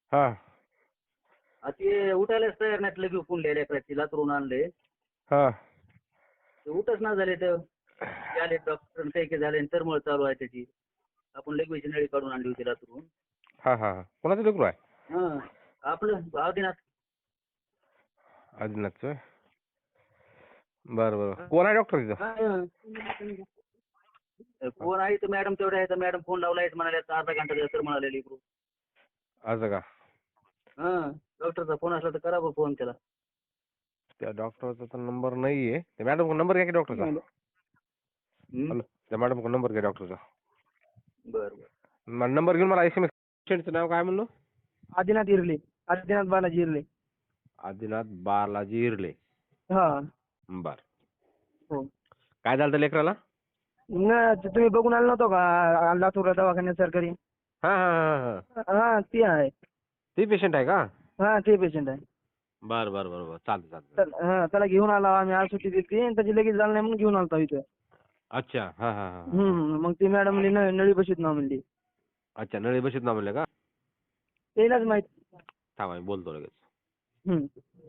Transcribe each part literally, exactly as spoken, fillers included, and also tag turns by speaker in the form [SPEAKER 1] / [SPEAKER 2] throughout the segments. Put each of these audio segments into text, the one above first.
[SPEAKER 1] हा
[SPEAKER 2] आ ते उठायलाच तयार नाहीत. लगे उकून लेकराची लातरून आणले.
[SPEAKER 1] हा
[SPEAKER 2] ते उठच ना झाले तर ते आले डॉक्टर काही काही झाले तरमळ चालू आहे त्याची. आपण लगेच नळी काढून आणली होती लातरून.
[SPEAKER 1] हा हा हा कोणाचं लेकरू आहे?
[SPEAKER 2] हा आपलं आदिनाथ.
[SPEAKER 1] आदिनाथचं. बरं बरं. कोण आहे डॉक्टर तिथं?
[SPEAKER 2] हा. कोण आहे तर मॅडम तेवढ्या आहे तर मॅडम फोन लावलाय म्हणाले अर्धा घंटा तर म्हणाले लेकरू.
[SPEAKER 1] असं का?
[SPEAKER 2] हा डॉक्टरचा फोन असला तर करा बरं फोन त्याला.
[SPEAKER 1] त्या डॉक्टरचा तर नंबर नाही आहे. त्या मॅडम नंबर घ्या की डॉक्टरचा.
[SPEAKER 2] हम्म.
[SPEAKER 1] हॅलो त्या मॅडम नंबर घ्या डॉक्टरचा.
[SPEAKER 2] बरं बरं.
[SPEAKER 1] मला नंबर घेऊन मला एस एम एस. पेशंटचं नाव काय म्हणलो?
[SPEAKER 3] आदिनाथ इरले. आदिनाथ बालाजी इरले.
[SPEAKER 1] आदिनाथ बालाजी इरले.
[SPEAKER 3] हा.
[SPEAKER 1] बर.
[SPEAKER 3] हो.
[SPEAKER 1] काय झालं लेकराला?
[SPEAKER 3] न ते तुम्ही बघून आला नव्हतो का लातूर दवाखान्यात सरकारी?
[SPEAKER 1] हा हा हा हा
[SPEAKER 3] हा ती आहे.
[SPEAKER 1] ती पेशंट आहे का?
[SPEAKER 3] हा ते पेशंट आहे.
[SPEAKER 1] बर बर बर बर चालतं चालतं.
[SPEAKER 3] तर हा त्याला घेऊन आला आम्ही. आज सुट्टी दिली आणि त्याची लगेच झालं नाही म्हणून घेऊन आलतो इथं.
[SPEAKER 1] अच्छा हा हा हा हा.
[SPEAKER 3] हम्म. मग ती मॅडम नळी बशीत ना म्हणली.
[SPEAKER 1] अच्छा नळी बशीत ना म्हणले का?
[SPEAKER 3] त्यालाच माहित.
[SPEAKER 1] थांबा मी बोलतो लगेच.
[SPEAKER 3] हम्म.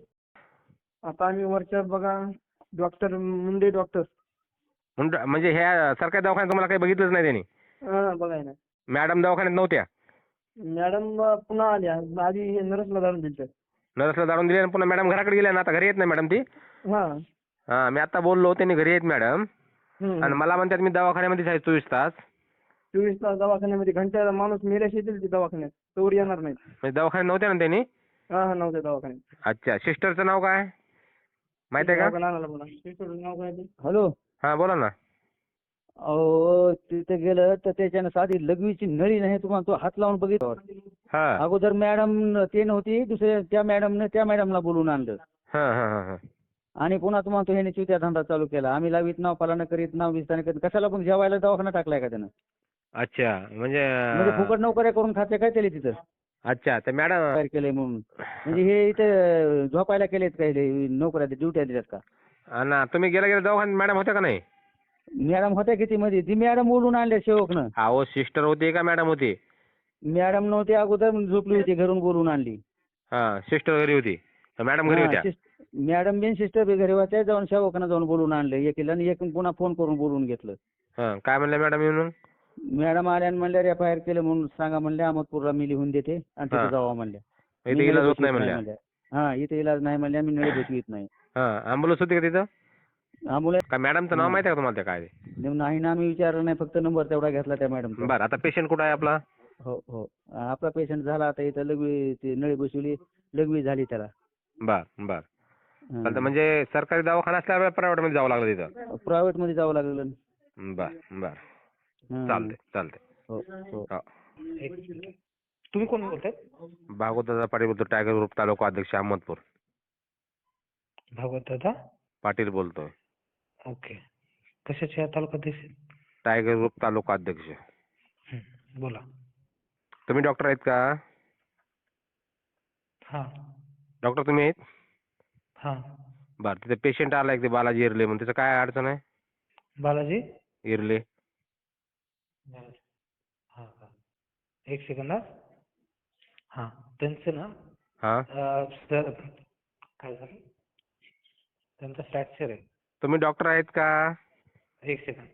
[SPEAKER 3] आता आम्ही वरच्या बघा डॉक्टर मुंडे डॉक्टर.
[SPEAKER 1] म्हणजे म्हणजे ह्या सरकारी दवाखान्यात तुम्हाला काही बघितलंच नाही त्यांनी?
[SPEAKER 3] हा बघाय ना.
[SPEAKER 1] मॅडम दवाखान्यात नव्हत्या?
[SPEAKER 3] मॅडम पुन्हा आल्या. आधी नर्सला जाऊन दिलं.
[SPEAKER 1] नर्सला जाऊन दिले आणि पुन्हा मॅडम घराकडे गेल्या ना. आता घरी येत नाही मॅडम ती?
[SPEAKER 3] हा.
[SPEAKER 1] हा मी आता बोललो त्यांनी घरी येत मॅडम.
[SPEAKER 3] हम्म.
[SPEAKER 1] आणि मला म्हणतात मी दवाखान्यामध्येच आहे चोवीस तास.
[SPEAKER 3] चोवीस तास दवाखान्यामध्ये घंट्याला माणूस मेल्याशी येतील ते दवाखान्यात. तोवर येणार नाहीत.
[SPEAKER 1] म्हणजे दवाखान्यात नव्हत्या ना त्यांनी?
[SPEAKER 3] हा हा नव्हत्या दवाखान्यात.
[SPEAKER 1] अच्छा सिस्टरचं नाव काय माहिती आहे का?
[SPEAKER 3] हॅलो.
[SPEAKER 1] हा बोला ना.
[SPEAKER 3] अहो तिथे गेलं तर त्याच्यानं साधी लघवीची नळी नाही तुम्हाला तो हात लावून बघितलं.
[SPEAKER 1] हा
[SPEAKER 3] अगोदर मॅडम ते नव्हती दुसऱ्या त्या मॅडमने त्या मॅडमला बोलवून आणलं.
[SPEAKER 1] हा हा हा हा.
[SPEAKER 3] आणि पुन्हा तुम्हाला तो ह्याने चुत्या धंदा चालू केला. आम्ही लावीत नाव पालन करीत नाव विस्तार करीत कशाला पण जेवायला दवाखाना टाकलाय का त्यानं?
[SPEAKER 1] अच्छा म्हणजे
[SPEAKER 3] म्हणजे फुकट नोकऱ्या करून खाते काय त्याला तिथं?
[SPEAKER 1] अच्छा तर मॅडम
[SPEAKER 3] तयार केलंय म्हणून. म्हणजे हे इथे झोपायला केलेत काय नोकऱ्या ड्युट्या दिल्यात का?
[SPEAKER 1] आणि तुम्ही गेला गेला दवाखान्यात मॅडम होत्या का नाही?
[SPEAKER 3] मॅडम होत्या किती मध्ये? ती मॅडम बोलून आणल्या सेवकनं.
[SPEAKER 1] अहो सिस्टर होती का मॅडम होती?
[SPEAKER 3] मॅडम नव्हती अगोदर झोपली होती घरून बोलून आणली.
[SPEAKER 1] हा सिस्टर घरी होती मॅडम घरी होत्या?
[SPEAKER 3] मॅडम बिन सिस्टर बी घरी होत्या. जाऊन सेवकानं जाऊन बोलून आणलं एकीला आणि एक पुन्हा फोन करून बोलून घेतलं.
[SPEAKER 1] हा काय म्हणल्या मॅडम येऊन?
[SPEAKER 3] मॅडम आल्या आणि म्हणल्या एफ आय आर केलं म्हणून सांगा म्हणल्या अहमदपूरला मी लिहून देते आणि तिथे जावा म्हणल्या.
[SPEAKER 1] इथे इलाज होत नाही म्हणल्या?
[SPEAKER 3] हा इथे इलाज नाही म्हणल्या मी नळी बसवीत नाही.
[SPEAKER 1] हा ॲम्ब्युलन्स होती का तिथं?
[SPEAKER 3] आम्हाला
[SPEAKER 1] काय मॅडमचं नाव माहिती आहे का तुम्हाला त्या काय?
[SPEAKER 3] नाही ना आम्ही विचारलं नाही फक्त नंबर तेवढा घेतला त्या मॅडमचा.
[SPEAKER 1] बरं आता पेशंट कुठं आहे आपला?
[SPEAKER 3] हो हो आपला पेशंट झाला आता इथं लघवी ती नळी बसवली लघवी झाली त्याला.
[SPEAKER 1] बर बर चालतं म्हणजे सरकारी दवाखाना असल्यावर प्रायव्हेट मध्ये जावं लागलं तिथं?
[SPEAKER 3] प्रायव्हेट मध्ये जावं लागलं.
[SPEAKER 1] बर बर चालते चालते.
[SPEAKER 3] हो हो.
[SPEAKER 4] तुम्ही कोण बोलताय?
[SPEAKER 1] भागवत पाटील बोलतो टायगर ग्रुप तालुका अध्यक्ष अहमदपूर.
[SPEAKER 4] भागवत दादा
[SPEAKER 1] पाटील बोलतोय.
[SPEAKER 4] ओके. कशाचे तालुका अध्यक्ष?
[SPEAKER 1] टायगर ग्रुप तालुका अध्यक्ष.
[SPEAKER 4] बोला.
[SPEAKER 1] तुम्ही डॉक्टर आहेत का?
[SPEAKER 4] हा
[SPEAKER 1] डॉक्टर तुम्ही आहेत?
[SPEAKER 4] हा.
[SPEAKER 1] बरं तिथे पेशंट आला एक ते बालाजी इरले म्हणून त्याचं काय अडचण आहे?
[SPEAKER 4] बालाजी
[SPEAKER 1] इरले.
[SPEAKER 4] हा हा एक सेकंद हा. हा त्यांचं ना
[SPEAKER 1] हा
[SPEAKER 4] सर काय झालं त्यांचं फ्रॅक्चर आहे.
[SPEAKER 1] तुम्ही डॉक्टर आहेत का?
[SPEAKER 4] एक सेकंद.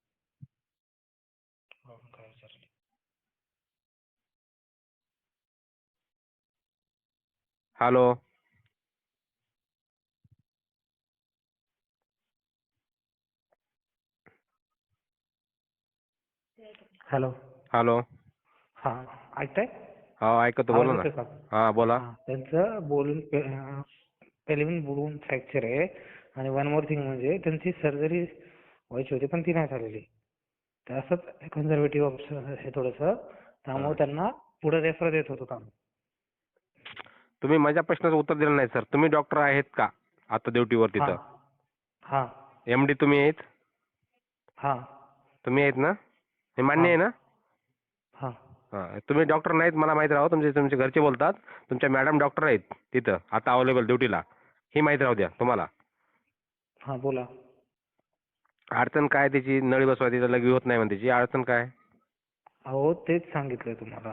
[SPEAKER 4] काय विचारलं?
[SPEAKER 1] हॅलो.
[SPEAKER 4] हॅलो.
[SPEAKER 1] हॅलो.
[SPEAKER 4] हा ऐकताय?
[SPEAKER 1] हा ऐकतो
[SPEAKER 4] आवाज
[SPEAKER 1] बोला ना.
[SPEAKER 4] येतोय का?
[SPEAKER 1] हा बोला.
[SPEAKER 4] हा त्यांचं बोलून पहिले पण बोलून फ्रॅक्चर आहे आणि वन मोर थिंग म्हणजे त्यांची सर्जरी व्हायची होती पण ती नाही झालेली. तर असंच कन्झर्वेटिव्ह ऑप्शन हे थोडंसं त्यामुळे त्यांना पुढे रेफर देत होतो काम.
[SPEAKER 1] तुम्ही माझ्या प्रश्नाचं उत्तर दिलं नाही सर. तुम्ही डॉक्टर आहेत का आता ड्युटीवर तिथं?
[SPEAKER 4] हा.
[SPEAKER 1] एम डी तुम्ही आहेत?
[SPEAKER 4] हा.
[SPEAKER 1] तुम्ही आहेत ना? हे मान्य आहे ना?
[SPEAKER 4] हा.
[SPEAKER 1] हा तुम्ही डॉक्टर नाहीत मला माहित राहू. तुमचे तुमचे घरचे बोलतात तुमच्या मॅडम डॉक्टर आहेत तिथं आता अवेलेबल ड्युटीला ही माहिती राहू द्या तुम्हाला.
[SPEAKER 4] हा बोला.
[SPEAKER 1] अडचण काय त्याची? नळी बसवायची लघवी होत नाही म्हणते त्याची अडचण काय?
[SPEAKER 4] अहो तेच सांगितलंय तुम्हाला.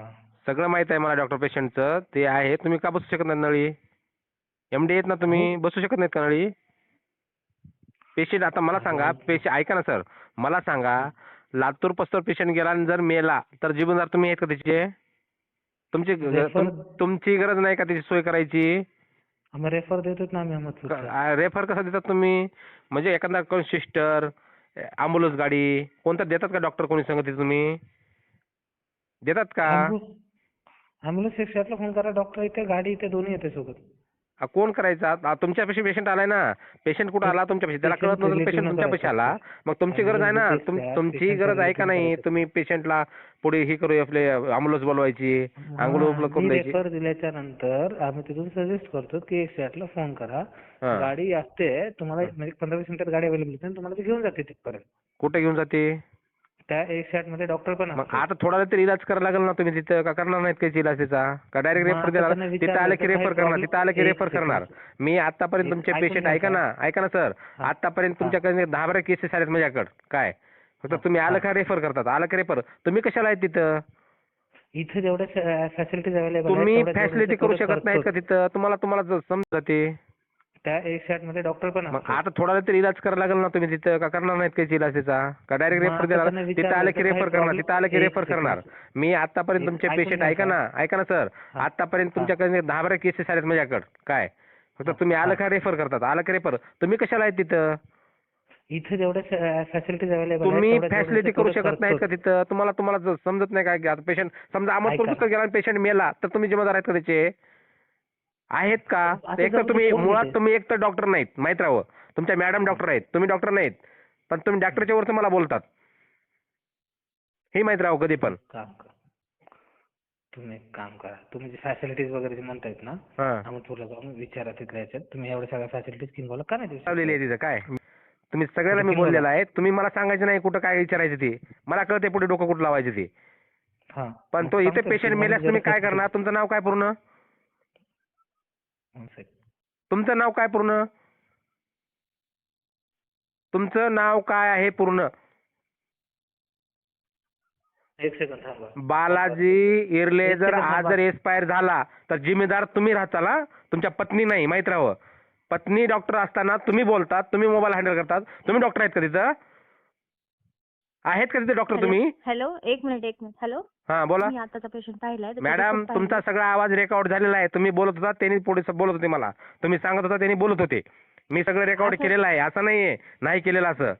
[SPEAKER 1] सगळं माहित आहे मला डॉक्टर पेशंटचं ते आहे. तुम्ही का बसू शकत नाही नळी? एमडी आहेत ना तुम्ही, बसू शकत नाहीत का नळी? पेशंट आता मला सांगा, पेशंट ऐका ना सर, मला सांगा लातूर पस्तर पेशंट गेला आणि जर मेला तर जिबनदार तुम्ही आहेत का त्याचे? तुमची तुम- तुमची गरज नाही का त्याची सोय करायची?
[SPEAKER 4] आम्ही रेफर देतोच ना आम्ही अहमदपूरला.
[SPEAKER 1] रेफर कसं देतात तुम्ही? म्हणजे एखादा कोण सिस्टर, ॲम्ब्युलन्स गाडी कोणतं देतात का डॉक्टर कोणी सांगते तुम्ही? देतात का?
[SPEAKER 4] ॲम्ब्युलन्स एकशे आठला फोन करा, डॉक्टर इथे, गाडी इथे, दोन्ही येते सोबत.
[SPEAKER 1] आ, कोण करायचा? आ, तुमच्यापाशी पेशंट आलाय ना, पेशंट कुठं आला तुमच्यापाशी, त्याला कळत नव्हतं पेशंट तुमच्यापाशी आला, मग तुमची गरज आहे ना, तुम- तुमची गरज आहे का नाही? तुम्ही पेशंटला पुढे हे करू आपले ॲम्ब्युलन्स बोलवायची, अंघोळ उपलब्ध करून द्यायची.
[SPEAKER 4] रेफर दिल्याच्या नंतर आम्ही तिथून सजेस्ट करतो की एकशे आठला फोन करा,
[SPEAKER 1] हा.
[SPEAKER 4] गाडी असते तुम्हाला, म्हणजे पंधरा वीस मिनिटात गाडी अवेलेबल असते, तुम्हाला ती घेऊन जाते तिथपर्यंत.
[SPEAKER 1] कुठे घेऊन जाते?
[SPEAKER 4] त्या एकशे आठ मध्ये डॉक्टर पण
[SPEAKER 1] मग
[SPEAKER 4] असतो.
[SPEAKER 1] आता थोडा तरी इलाज करायला लागेल ना तुम्ही तिथं, का करणार नाहीत काही इलाज त्याचा? का डायरेक्ट
[SPEAKER 4] मग
[SPEAKER 1] रेफर
[SPEAKER 4] आता
[SPEAKER 1] देणार?
[SPEAKER 4] त्यांना
[SPEAKER 1] तिथं
[SPEAKER 4] विचारलं
[SPEAKER 1] आलं की
[SPEAKER 4] तर
[SPEAKER 1] रेफर
[SPEAKER 4] काही
[SPEAKER 1] करणार,
[SPEAKER 4] problem-
[SPEAKER 1] तिथं आलं की
[SPEAKER 4] एक
[SPEAKER 1] रेफर
[SPEAKER 4] second.
[SPEAKER 1] करणार. मी आतापर्यंत
[SPEAKER 4] एक-
[SPEAKER 1] तुमचे
[SPEAKER 4] ऐकून
[SPEAKER 1] पेशंट
[SPEAKER 4] घ्या
[SPEAKER 1] ऐका
[SPEAKER 4] सर.
[SPEAKER 1] ना, ऐका ना सर,
[SPEAKER 4] हा.
[SPEAKER 1] आतापर्यंत
[SPEAKER 4] हा.
[SPEAKER 1] तुमच्याकडे दहा बारा केसेस आलेत माझ्याकडे. काय फक्त तुम्ही आलं का रेफर करतात? आलं का रेफर? तुम्ही कशाला आहेत तिथं?
[SPEAKER 4] इथे जेवढ्या फॅसिलिटीज अवेलेबल
[SPEAKER 1] तुम्ही फॅसिलिटी करू शकत नाहीत का तिथं? तुम्हाला तुम्हाला समजा ते
[SPEAKER 4] त्या एकशे आठ मध्ये डॉक्टर पण
[SPEAKER 1] मग
[SPEAKER 4] असतो.
[SPEAKER 1] आता थोडा तरी इलाज करायला लागेल ना तुम्ही तिथं, का करणार नाहीत काही इलाज त्याचा? का डायरेक्ट
[SPEAKER 4] मग
[SPEAKER 1] रेफर
[SPEAKER 4] आता
[SPEAKER 1] देणार?
[SPEAKER 4] त्यांना
[SPEAKER 1] तिथं
[SPEAKER 4] विचारलं
[SPEAKER 1] आलं
[SPEAKER 4] तर
[SPEAKER 1] की
[SPEAKER 4] काही
[SPEAKER 1] रेफर करणार,
[SPEAKER 4] problem-
[SPEAKER 1] तिथं आलं की
[SPEAKER 4] एक
[SPEAKER 1] रेफर
[SPEAKER 4] second.
[SPEAKER 1] करणार. मी आतापर्यंत
[SPEAKER 4] एक-
[SPEAKER 1] तुमचे
[SPEAKER 4] ऐकून
[SPEAKER 1] पेशंट
[SPEAKER 4] घ्या
[SPEAKER 1] ऐका
[SPEAKER 4] सर.
[SPEAKER 1] ना, ऐका ना सर,
[SPEAKER 4] हा.
[SPEAKER 1] आतापर्यंत
[SPEAKER 4] हा.
[SPEAKER 1] तुमच्याकडे दहा बारा केसेस आलेत माझ्याकडे. काय फक्त तुम्ही आलं का रेफर करतात? आलं का रेफर? तुम्ही कशाला आहेत तिथं?
[SPEAKER 4] इथे जेवढ्या फॅसिलिटीज अवेलेबल
[SPEAKER 1] तुम्ही फॅसिलिटी करू शकत नाहीत का तिथं? तुम्हाला तुम्हाला जर समजत नाही काय? आता पेशंट समजा अहमदपूर
[SPEAKER 4] ऐका.
[SPEAKER 1] पुस्तक गेला आणि पेशंट मेला तर तुम्ही जिम्मेदार आहेत का त्याचे? आहेत का?
[SPEAKER 4] आता
[SPEAKER 1] एक तर
[SPEAKER 4] जाऊ दे,
[SPEAKER 1] तुम्ही
[SPEAKER 4] कोण
[SPEAKER 1] मुळात
[SPEAKER 4] देते?
[SPEAKER 1] तुम्ही एक तर डॉक्टर नाहीत, माहित राहावं. तुमच्या मॅडम डॉक्टर आहेत, तुम्ही डॉक्टर नाहीत, पण तुम्ही डॉक्टरच्या वरती मला बोलतात, हे माहित राहावं कधी पण.
[SPEAKER 4] काम करा, तुम्ही एक काम करा, तुम्ही जे फॅसिलिटीज वगैरे जे म्हणतायत ना,
[SPEAKER 1] हा
[SPEAKER 4] अहमदपूरला जाऊन विचारा तिथल्या याच्यात, तुम्ही एवढ्या सगळ्या फॅसिलिटीज किंवा का नाही देऊ शकत?
[SPEAKER 1] लावलेली आहे तिथं. काय तुम्ही सगळ्याला मी बोललेलं आहे, तुम्ही मला सांगायचं नाही कुठं काय विचारायचं ते. मला कळते पुढे डोकं कुठं लावायचं ते.
[SPEAKER 4] हा.
[SPEAKER 1] पण
[SPEAKER 4] मग
[SPEAKER 1] तो इथे
[SPEAKER 4] सांगतो
[SPEAKER 1] पेशंट
[SPEAKER 4] तुम्हाला
[SPEAKER 1] मेल्यास तुम्ही काय करणार? तुमचं नाव काय पूर्ण?
[SPEAKER 4] one second.
[SPEAKER 1] तुमचं नाव काय पूर्ण? तुमचं नाव काय आहे पूर्ण?
[SPEAKER 4] एक सेकंद थांबा.
[SPEAKER 1] बालाजी इरले.
[SPEAKER 4] एक
[SPEAKER 1] जर
[SPEAKER 4] सेकंद
[SPEAKER 1] आज
[SPEAKER 4] थांबा.
[SPEAKER 1] जर एक्सपायर झाला तर जिम्मेदार तुम्ही राहताल, हा? तुमच्या पत्नी नाही, माहित राहावं. पत्नी डॉक्टर असताना तुम्ही बोलतात, तुम्ही मोबाईल हँडल करतात. तुम्ही डॉक्टर आहेत का तिथं? आहेत का तिथे डॉक्टर तुम्ही?
[SPEAKER 5] हॅलो, एक मिनिट एक मिनिट हॅलो,
[SPEAKER 1] हा बोला
[SPEAKER 5] मी आताचा पेशंट पाहिलाय. त्याचा
[SPEAKER 1] मॅडम.
[SPEAKER 5] report
[SPEAKER 1] तुमचा
[SPEAKER 5] पाहिलाय.
[SPEAKER 1] सगळा आवाज रेकॉर्ड झालेला आहे. तुम्ही बोलत होता, त्यांनी पुढे बोलत होते मला. तुम्ही सांगत होता, त्यांनी बोलत होते. मी सगळं रेकॉर्ड
[SPEAKER 5] असं-
[SPEAKER 1] केलेलं आहे, असं नाहीये नाही केलेलं असं.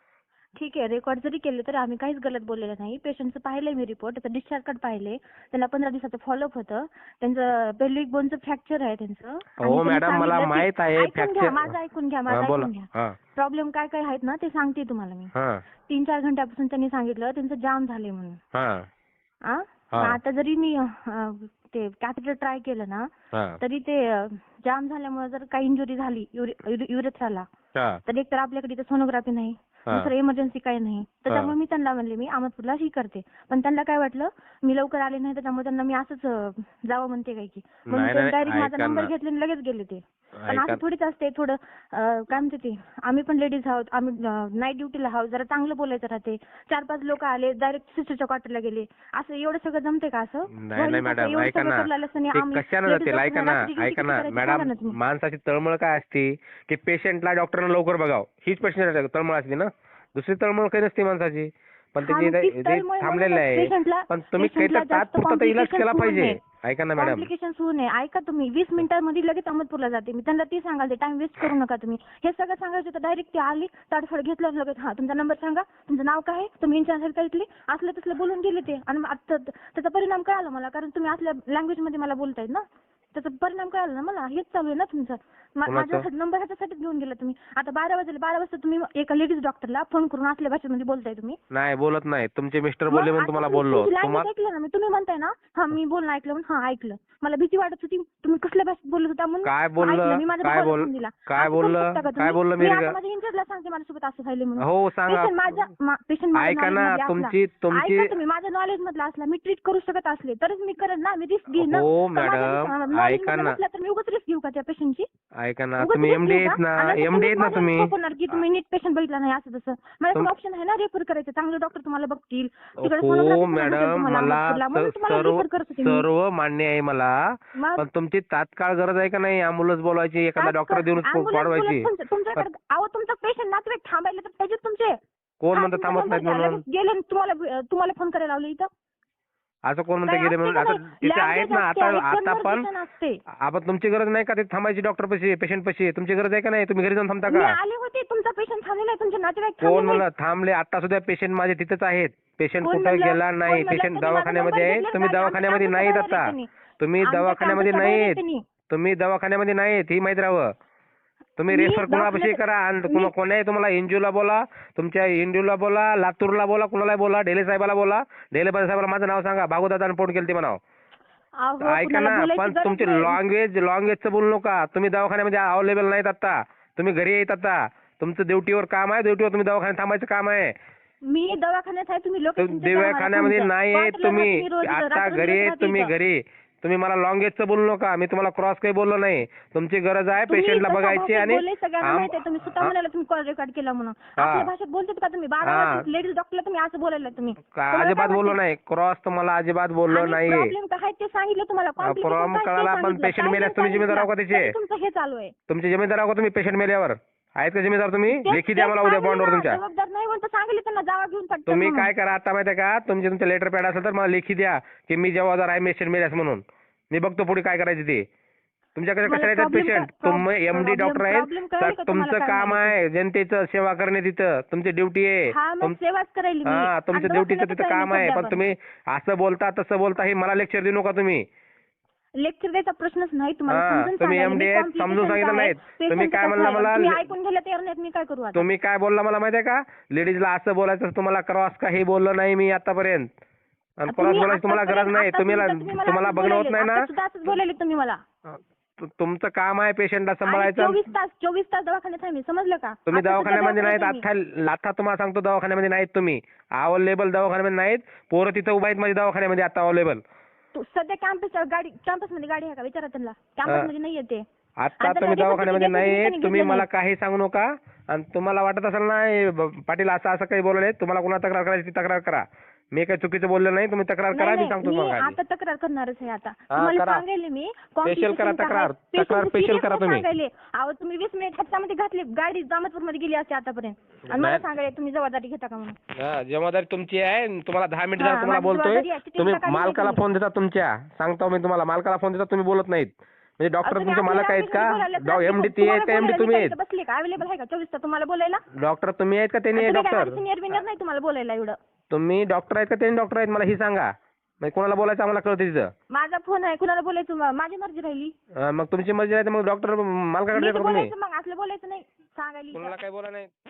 [SPEAKER 5] ठीक आहे, रेकॉर्ड जरी केले तरी आम्ही काहीच गलत बोललेलं नाही. पेशंटचं पाहिलंय मी रिपोर्ट, त्याचं डिस्चार्ज कार्ड पाहिले, त्यांना पंधरा दिवसाचं फॉलोअप होतं. त्यांचं पेल्विक बोनचं फ्रॅक्चर आहे त्यांचं. आणि
[SPEAKER 1] हो
[SPEAKER 5] त्यांनी
[SPEAKER 1] मॅडम, मला
[SPEAKER 5] सांगितलं की-
[SPEAKER 1] माहित आहे
[SPEAKER 5] ऐकून घ्या,
[SPEAKER 1] फ्रॅक्चर.
[SPEAKER 5] माझं ऐकून घ्या,
[SPEAKER 1] हा,
[SPEAKER 5] माझं
[SPEAKER 1] बोला.
[SPEAKER 5] ऐकून घ्या.
[SPEAKER 1] हा
[SPEAKER 5] प्रॉब्लेम काय काय आहेत ना ते सांगते तुम्हाला मी.
[SPEAKER 1] हा
[SPEAKER 5] तीन चार घंट्यापासून त्यांनी सांगितलं त्यांचं जाम झाले म्हणून.
[SPEAKER 1] हा
[SPEAKER 5] आ?
[SPEAKER 1] हा.
[SPEAKER 5] आता जरी मी अं, ते कॅथेटर ट्राय केलं ना
[SPEAKER 1] हा
[SPEAKER 5] तरी ते जाम झाल्यामुळे जर काही इंजुरी झाली युरेथ्राला
[SPEAKER 1] हा
[SPEAKER 5] तर एक तर आपल्याकडे इथे सोनोग्राफी नाही,
[SPEAKER 1] हा.
[SPEAKER 5] दुसरं इमर्जन्सी काही नाही. त्याच्यामुळे मी त्यांना म्हणले मी अहमदपूरला ही करते, पण त्यांना काय वाटलं मी लवकर आले नाही त्याच्यामुळे त्यांना मी असंच अं, जावं म्हणते काय की, म्हणून
[SPEAKER 1] नाही,
[SPEAKER 5] ते
[SPEAKER 1] नाही,
[SPEAKER 5] डायरेक्ट माझा
[SPEAKER 1] ऐका
[SPEAKER 5] नंबर
[SPEAKER 1] ना.
[SPEAKER 5] घेतले आणि लगेच गेले ते. पण
[SPEAKER 1] ऐका.
[SPEAKER 5] असं थोडीच असते, थोडं अं, काय म्हणते ते, आम्ही पण लेडीज आहोत, आम्ही नाईट ड्युटीला आहोत, जरा चांगलं बोलायचं राहते. चार पाच लोक आले डायरेक्ट सिस्टरच्या क्वार्टरला गेले, असं एवढं सगळं जमते का? असं
[SPEAKER 1] नाही नाही मॅडम, ऐका ना, ते कशानं जाते? ऐका ना ऐका ना मॅडम, माणसाची तळमळ काय असते की पेशंटला डॉक्टरनं लवकर बघावं, हीच पेशंट तळमळ असते ना, दुसरी तळमळ काही नसते माणसाची. पण
[SPEAKER 5] हा, मग
[SPEAKER 1] त्याची
[SPEAKER 5] तीच
[SPEAKER 1] ते
[SPEAKER 5] तळमळ
[SPEAKER 1] थांबलेलं
[SPEAKER 5] म्हणूनच
[SPEAKER 1] आहे.
[SPEAKER 5] पेशंटला-
[SPEAKER 1] पण तुम्ही
[SPEAKER 5] पेशंटला
[SPEAKER 1] काहीतरी
[SPEAKER 5] जास्त
[SPEAKER 1] तात्पुरता तर इलाज केला
[SPEAKER 5] complications होऊ
[SPEAKER 1] पाहिजे.
[SPEAKER 5] नये.
[SPEAKER 1] ऐका ना मॅडम,
[SPEAKER 5] कॉम्प्लिकेशन होऊ नये. ऐका तुम्ही, वीस मिनिटांमध्ये लगेच अहमदपूरला जाते मी. त्यांना ती सांगाल, टाइम वेस्ट करू नका तुम्ही. हे सगळं सांगायचं होतं, डायरेक्ट ती आली, ताडफड घेतलं लगेच. हा, तुमचा नंबर सांगा, तुमचं नाव काय आहे, तुम्ही इन्चार्ज आहेत का इथले, असलं तसलं बोलून गेले ते. आणि आता त्याचा परिणाम कळाला मला, कारण तुम्ही असल्या लँग्वेज मध्ये मला बोलतायत ना, त्याचा परिणाम कळाला ना मला. हेच चालू आहे ना तुमचं. मा- माझा नंबर ह्याच्यासाठीच घेऊन गेला तुम्ही. आता बारा वाजले, बारा वाजता तुम्ही एका लेडीज डॉक्टरला फोन करून असल्या भाषेमध्ये बोलताय तुम्ही.
[SPEAKER 1] नाही बोलत नाही. तुमचे मिस्टर
[SPEAKER 5] मग
[SPEAKER 1] बोलले म्हणून
[SPEAKER 5] आता
[SPEAKER 1] तुम्हाला
[SPEAKER 5] तुम्ही
[SPEAKER 1] बोललो.
[SPEAKER 5] तुमची language
[SPEAKER 1] तुम्हाला
[SPEAKER 5] ऐकलं ना मी, तुम्ही म्हणताय ना हा मी बोलणं ऐकलं म्हणून. हा ऐकलं, मला भीती वाटत होती तुम्ही कसल्या भाषेत बोलत होता म्हणून.
[SPEAKER 1] काय
[SPEAKER 5] ऐकलं
[SPEAKER 1] बोललं?
[SPEAKER 5] मी, माझ्या
[SPEAKER 1] काय
[SPEAKER 5] भावाला
[SPEAKER 1] बोल-
[SPEAKER 5] फोन दिला.
[SPEAKER 1] काय
[SPEAKER 5] असं करू
[SPEAKER 1] बोललं?
[SPEAKER 5] शकता का
[SPEAKER 1] काय
[SPEAKER 5] तुम्ही?
[SPEAKER 1] बोललं
[SPEAKER 5] मी
[SPEAKER 1] मिरगा?
[SPEAKER 5] आता माझ्या इंचार्जला सांगते माझ्यासोबत असं झालं म्हणून.
[SPEAKER 1] हो सांगा.
[SPEAKER 5] पेशंट माझ्या पेशंट माझ्या
[SPEAKER 1] ऐका ना,
[SPEAKER 5] knowledge मध्ये
[SPEAKER 1] तुमची
[SPEAKER 5] असला-
[SPEAKER 1] तुमची
[SPEAKER 5] ऐका तुम्ही, माझ्या नॉलेज मधला असला, मी ट्रीट करू शकत असले तरच मी करेन ना, मी रिस्क घेईन ना.
[SPEAKER 1] हो
[SPEAKER 5] तर माझ्या
[SPEAKER 1] मॅडम,
[SPEAKER 5] knowledge knowledge
[SPEAKER 1] ऐका
[SPEAKER 5] मधलं
[SPEAKER 1] ना.
[SPEAKER 5] नसलं तर मी उगाच रिस्क घेऊ का त्या पेशंटची?
[SPEAKER 1] ऐका ना,
[SPEAKER 5] उगाच
[SPEAKER 1] तुम्ही
[SPEAKER 5] risk
[SPEAKER 1] एमडी
[SPEAKER 5] घेऊ
[SPEAKER 1] आहेत
[SPEAKER 5] का?
[SPEAKER 1] ना,
[SPEAKER 5] आणि नंतर
[SPEAKER 1] एमडी आहेत ना
[SPEAKER 5] माझ्यावर
[SPEAKER 1] तुम्ही.
[SPEAKER 5] सोपवणार की तुम्ही नीट पेशंट बघितला नाही असं तसं. माझ्याकडे
[SPEAKER 1] तुम-
[SPEAKER 5] ऑप्शन आहे ना रेफर करायचं. चांगले डॉक्टर तुम्हाला बघतील. तिकडे
[SPEAKER 1] हो
[SPEAKER 5] sonography पण भेटेल
[SPEAKER 1] मॅडम,
[SPEAKER 5] तुम्हाला
[SPEAKER 1] मला
[SPEAKER 5] अहमदपूरला. म्हणून
[SPEAKER 1] स-
[SPEAKER 5] तुम्हाला
[SPEAKER 1] सर्व
[SPEAKER 5] रेफर करत होते मी.
[SPEAKER 1] सर्व मान्य आहे मला,
[SPEAKER 5] मग
[SPEAKER 1] पण तुमची तात्काळ गरज आहे का नाही अँब्युलन्स बोलवायची, एखादा
[SPEAKER 5] काय
[SPEAKER 1] डॉक्टर
[SPEAKER 5] कर-
[SPEAKER 1] देऊन
[SPEAKER 5] ambulance
[SPEAKER 1] वाढवायची?
[SPEAKER 5] बोलत तुमच्या- तुमच्याकडे अहो तुमचा पेशंट नातेवाईक थांबायला तर पाहिजे तुमचे.
[SPEAKER 1] कोण
[SPEAKER 5] हा,
[SPEAKER 1] म्हणतं
[SPEAKER 5] तुमचा
[SPEAKER 1] थांबत
[SPEAKER 5] number
[SPEAKER 1] नाहीत
[SPEAKER 5] द्या.
[SPEAKER 1] म्हणून?
[SPEAKER 5] लगेच गेले आणि तुम्हाला तुम्हाला फोन करायला लावलं इथं.
[SPEAKER 1] असं कोण म्हणतं
[SPEAKER 5] काय
[SPEAKER 1] गेले
[SPEAKER 5] असते
[SPEAKER 1] म्हणून?
[SPEAKER 5] का
[SPEAKER 1] आता
[SPEAKER 5] नाही?
[SPEAKER 1] तिथे आहेत
[SPEAKER 5] Language
[SPEAKER 1] ना,
[SPEAKER 5] असते,
[SPEAKER 1] आता
[SPEAKER 5] एक
[SPEAKER 1] आता पण
[SPEAKER 5] conversation असते.
[SPEAKER 1] आपण तुमची गरज नाही का ते थांबायची डॉक्टर पशी, पेशंट पशी? तुमची गरज आहे का नाही? तुम्ही घरी जाऊन थांबता
[SPEAKER 5] मी
[SPEAKER 1] का?
[SPEAKER 5] आले होते तुमचा पेशंट थांबलेला आहे तुमचे नातेवाईक
[SPEAKER 1] कोण
[SPEAKER 5] थांबलेले
[SPEAKER 1] म्हणलं थांबले? आता सुद्धा पेशंट माझे तिथेच आहेत. पेशंट
[SPEAKER 5] कोण
[SPEAKER 1] कुठं
[SPEAKER 5] म्हणलं?
[SPEAKER 1] गेला नाही.
[SPEAKER 5] कोण म्हणलं?
[SPEAKER 1] पेशंट
[SPEAKER 5] त्यांनी माझा
[SPEAKER 1] दवाखान्यामध्ये
[SPEAKER 5] number
[SPEAKER 1] आहेत.
[SPEAKER 5] घेतला,
[SPEAKER 1] तुम्ही
[SPEAKER 5] आमच्या
[SPEAKER 1] दवाखान्यामध्ये
[SPEAKER 5] campus
[SPEAKER 1] नाहीत
[SPEAKER 5] च्या बाहेर
[SPEAKER 1] आता.
[SPEAKER 5] आहेत त्यांनी.
[SPEAKER 1] तुम्ही
[SPEAKER 5] आमच्या
[SPEAKER 1] दवाखान्यामध्ये
[SPEAKER 5] campus च्या बाहेर
[SPEAKER 1] नाहीत.
[SPEAKER 5] आहेत त्यांनी.
[SPEAKER 1] तुम्ही दवाखान्यामध्ये नाहीत ही माहिती राहावं. तुम्ही
[SPEAKER 5] मी
[SPEAKER 1] रेफर कोणापाशी
[SPEAKER 5] दवाखान्यात-
[SPEAKER 1] करा आणि
[SPEAKER 5] मी-
[SPEAKER 1] कोणा- कोणाही तुम्हाला एनजीओला बोला, तुमच्या एनजीओला बोला, लातूरला बोला, कुणाला बोला, ढेले साहेबाला बोला. ढेले साहेबाला माझं नाव सांगा, भागवदादानं फोन केलं ते म्हणावं.
[SPEAKER 5] अहो,
[SPEAKER 1] ऐका
[SPEAKER 5] कुणाला
[SPEAKER 1] ना,
[SPEAKER 5] बोलायची
[SPEAKER 1] पण
[SPEAKER 5] गरज
[SPEAKER 1] तुमची
[SPEAKER 5] नाही.
[SPEAKER 1] लँग्वेज लँग्वेजचं बोलू नका. तुम्ही दवाखान्यामध्ये अवेलेबल नाहीत आता. तुम्ही घरी येत आता. तुमचं ड्युटीवर काम आहे, ड्युटीवर तुम्ही दवाखान्यात थांबायचं काम आहे.
[SPEAKER 5] मी दवाखान्यात आहे तुम्ही लोक
[SPEAKER 1] दवाखान्यामध्ये नाही आहेत तुम्ही. आता घरी आहेत तुम्ही, घरी. तुम्ही मला लँग्वेजचं बोलू नका. मी तुम्हाला क्रॉस काही बोललो नाही. तुमची गरज आहे पेशंटला बघायची आणि
[SPEAKER 5] सगळ्यांना
[SPEAKER 1] आम-
[SPEAKER 5] माहिती आहे तुम्ही स्वतः
[SPEAKER 1] हा.
[SPEAKER 5] म्हणाला तुम्ही कॉल रेकॉर्ड केला म्हणून.
[SPEAKER 1] हा.
[SPEAKER 5] आपल्या भाषेत बोलतात का तुम्ही? बारा
[SPEAKER 1] हा.
[SPEAKER 5] वर्षाचे लेडीज डॉक्टरला तुम्ही असं बोलायला तुम्ही.
[SPEAKER 1] का- अजिबात बोललो नाही. क्रॉस तुम्हाला अजिबात बोललो नाहीये.
[SPEAKER 5] प्रॉब्लेम काय ते सांगितलं तुम्हाला. complication
[SPEAKER 1] प्रॉब्लेम
[SPEAKER 5] काय ते
[SPEAKER 1] कळाला, पण
[SPEAKER 5] सांगितलं.
[SPEAKER 1] patient
[SPEAKER 5] काय
[SPEAKER 1] मेल्यास
[SPEAKER 5] ते
[SPEAKER 1] तुम्ही जिम्मेदार आहो का
[SPEAKER 5] सांगितलं.
[SPEAKER 1] त्याचे?
[SPEAKER 5] तरी तुमचं हे चालू आहे.
[SPEAKER 1] तुमचे जिम्मेदार आहो का तुम्ही पेशंट मेल्यावर? आहेत का जिम्मेदार तुम्ही?
[SPEAKER 5] ते-
[SPEAKER 1] लेखी द्या
[SPEAKER 5] ते
[SPEAKER 1] मला उद्या
[SPEAKER 5] सांगितलं
[SPEAKER 1] बॉन्डवर
[SPEAKER 5] ना,
[SPEAKER 1] तुमच्या.
[SPEAKER 5] जबाबदार नाही म्हणून तर सांगितलं त्यांना जावा घेऊन पटकन
[SPEAKER 1] तुम्ही
[SPEAKER 5] म्हणून.
[SPEAKER 1] काय करा आता माहिती आहे का, तुमचे तुमचे लेटर पॅड असेल तर मला लेखी द्या की मी जबाबदार आहे पेशंट मेल्यास म्हणून. मी बघतो पुढे काय करायचं ते. तुमच्याकडे
[SPEAKER 5] मला
[SPEAKER 1] कशाला येतात
[SPEAKER 5] problem
[SPEAKER 1] पेशंट?
[SPEAKER 5] का-
[SPEAKER 1] तुम्ही एमडी
[SPEAKER 5] problem-
[SPEAKER 1] डॉक्टर
[SPEAKER 5] problem
[SPEAKER 1] आहेत.
[SPEAKER 5] कळाली का तुम्हाला
[SPEAKER 1] तुमचं
[SPEAKER 5] काय
[SPEAKER 1] काम
[SPEAKER 5] म्हणायचं?
[SPEAKER 1] आहे जनतेचं सेवा करणे, तिथं तुमची ड्युटी आहे.
[SPEAKER 5] हा मग
[SPEAKER 1] तुम-
[SPEAKER 5] सेवाच करायली मी.
[SPEAKER 1] हा तुमचं
[SPEAKER 5] आणि
[SPEAKER 1] ड्युटीचं
[SPEAKER 5] दवाखान्यातच
[SPEAKER 1] तिथं
[SPEAKER 5] आहे
[SPEAKER 1] काम
[SPEAKER 5] मी
[SPEAKER 1] आहे.
[SPEAKER 5] सध्या
[SPEAKER 1] पण
[SPEAKER 5] पण.
[SPEAKER 1] तुम्ही असं बोलता तसं बोलता हे मला लेक्चर देऊ नका तुम्ही.
[SPEAKER 5] लेक्चर द्यायचा प्रश्नच नाही तुम्हाला.
[SPEAKER 1] हा,
[SPEAKER 5] समजून
[SPEAKER 1] तुम्ही
[SPEAKER 5] सांगायला.
[SPEAKER 1] एमडी
[SPEAKER 5] मी
[SPEAKER 1] आहेत,
[SPEAKER 5] complication
[SPEAKER 1] समजून सांगितलं
[SPEAKER 5] काय,
[SPEAKER 1] नाहीत.
[SPEAKER 5] patient
[SPEAKER 1] तुम्ही काय
[SPEAKER 5] कसं
[SPEAKER 1] म्हणला
[SPEAKER 5] आहे,
[SPEAKER 1] मला?
[SPEAKER 5] तुम्ही ऐकून घ्यायला तयार नाहीत. मी काय करू आता?
[SPEAKER 1] तुम्ही काय बोलला मला माहिती आहे का? लेडीजला असं बोलायचं, तुम्हाला क्रॉस काही बोललो नाही मी आतापर्यंत. आणि क्रॉस
[SPEAKER 5] तुम्ही
[SPEAKER 1] बोलायची तुम्हाला गरज
[SPEAKER 5] आतापर्यंत-
[SPEAKER 1] नाही. तुम्ही
[SPEAKER 5] आतापर्यंत तुम्ही मला
[SPEAKER 1] तुम्हाला
[SPEAKER 5] असंच
[SPEAKER 1] बघणं होत
[SPEAKER 5] बोलायले.
[SPEAKER 1] नाही ना.
[SPEAKER 5] आता सुद्धा असंच बोलायले तुम्ही मला.
[SPEAKER 1] तु- तुमचं काम आहे पेशंटला
[SPEAKER 5] आणि
[SPEAKER 1] सांभाळायचं.
[SPEAKER 5] चोवीस तास चोवीस तास दवाखान्यात आहे मी. समजलं का?
[SPEAKER 1] तुम्ही
[SPEAKER 5] आता सुद्धा
[SPEAKER 1] दवाखान्यामध्ये नाहीत.
[SPEAKER 5] दवाखान्यात आहे मी.
[SPEAKER 1] आता आता तुम्हाला सांगतो दवाखान्यामध्ये नाहीत तुम्ही. अवेलेबल दवाखान्यामध्ये नाहीत. पोरं तिथं उभा आहेत माझ्या दवाखान्यामध्ये आता अवेलेबल.
[SPEAKER 5] तू सध्या कॅम्पस गाडी कॅम्पस मध्ये गाडी आहे का विचारा त्यांना. कॅम्पस मध्ये नाही येते.
[SPEAKER 1] आता
[SPEAKER 5] आता
[SPEAKER 1] तुम्ही
[SPEAKER 5] त्या
[SPEAKER 1] दवाखान्यामध्ये
[SPEAKER 5] report
[SPEAKER 1] नाहीत.
[SPEAKER 5] घेतलं
[SPEAKER 1] तुम्ही
[SPEAKER 5] नाही.
[SPEAKER 1] मला काही सांगू नका. आणि तुम्हाला वाटत असेल ना हे ब- पाटील असं असं काही बोलले, तुम्हाला कोणाला तक्रार करायची ती तक्रार करा. मी काही चुकीचं बोललो नाही. तुम्ही तक्रार करा.
[SPEAKER 5] नाही,
[SPEAKER 1] मी
[SPEAKER 5] नाही,
[SPEAKER 1] सांगतो
[SPEAKER 5] मी
[SPEAKER 1] तुम्हाला.
[SPEAKER 5] आता तक्रार करणारच आहे आता.
[SPEAKER 1] हा,
[SPEAKER 5] तुम्हाला
[SPEAKER 1] करा.
[SPEAKER 5] सांगायले मी
[SPEAKER 1] Special
[SPEAKER 5] complication
[SPEAKER 1] करा
[SPEAKER 5] काय
[SPEAKER 1] तक्रार.
[SPEAKER 5] आहे.
[SPEAKER 1] तक्रार
[SPEAKER 5] Patient
[SPEAKER 1] special
[SPEAKER 5] serious
[SPEAKER 1] करा
[SPEAKER 5] नाही
[SPEAKER 1] तुम्ही.
[SPEAKER 5] सांगायले. अहो तुम्ही वीस मिनिट ह्याच्यामध्ये घातली गाडी जामतपूर मध्ये गेली असते आतापर्यंत. आणि मला
[SPEAKER 1] नाही.
[SPEAKER 5] सांगायले तुम्ही जबाबदारी घेता का म्हणून.
[SPEAKER 1] हा, जबाबदारी तुमची आहे. तुम्हाला दहा मिनिट
[SPEAKER 5] हा,
[SPEAKER 1] झालं तुम्हाला
[SPEAKER 5] माझी
[SPEAKER 1] बोलतोय.
[SPEAKER 5] जबाबदारी आहे. किती
[SPEAKER 1] तुम्ही
[SPEAKER 5] मिनिटं काढली
[SPEAKER 1] मालकाला
[SPEAKER 5] तुम्ही?
[SPEAKER 1] फोन देता तुमच्या. सांगतो मी तुम्हाला मालकाला फोन देता, तुम्ही बोलत नाहीत. म्हणजे डॉक्टर
[SPEAKER 5] तुम्ही
[SPEAKER 1] तुमचे
[SPEAKER 5] आपल्या
[SPEAKER 1] मालक आहेत का?
[SPEAKER 5] language
[SPEAKER 1] एमडी
[SPEAKER 5] मध्ये
[SPEAKER 1] ते आहेत
[SPEAKER 5] बोलायला
[SPEAKER 1] का एमडी
[SPEAKER 5] तुम्हाला
[SPEAKER 1] तुम्ही
[SPEAKER 5] बोलायला
[SPEAKER 1] आहेत?
[SPEAKER 5] मी बसली का? अवेलेबल आहे का चोवीस तास तुम्हाला बोलायला?
[SPEAKER 1] डॉक्टर तुम्ही आहेत का त्यांनी आहे डॉक्टर?
[SPEAKER 5] सिनियर बिनियर नाही तुम्हाला बोलायला एवढं.
[SPEAKER 1] तुम्ही डॉक्टर आहेत का त्यांनी डॉक्टर आहेत? मला ही सांगा. म्हणजे कोणाला बोलायचं आम्हाला कळतं तिथं.
[SPEAKER 5] माझा फोन आहे कुणाला बोलायचं म- माझी मर्जी राहिली.
[SPEAKER 1] हा, मग तुमची मर्जी आहे तर मग डॉक्टर मालकाकडे
[SPEAKER 5] नीट
[SPEAKER 1] देता का तुम्ही?
[SPEAKER 5] बोलायचं मग असलं बोलायचं नाही सांगायला.
[SPEAKER 1] कोणाला काही बोला नाही.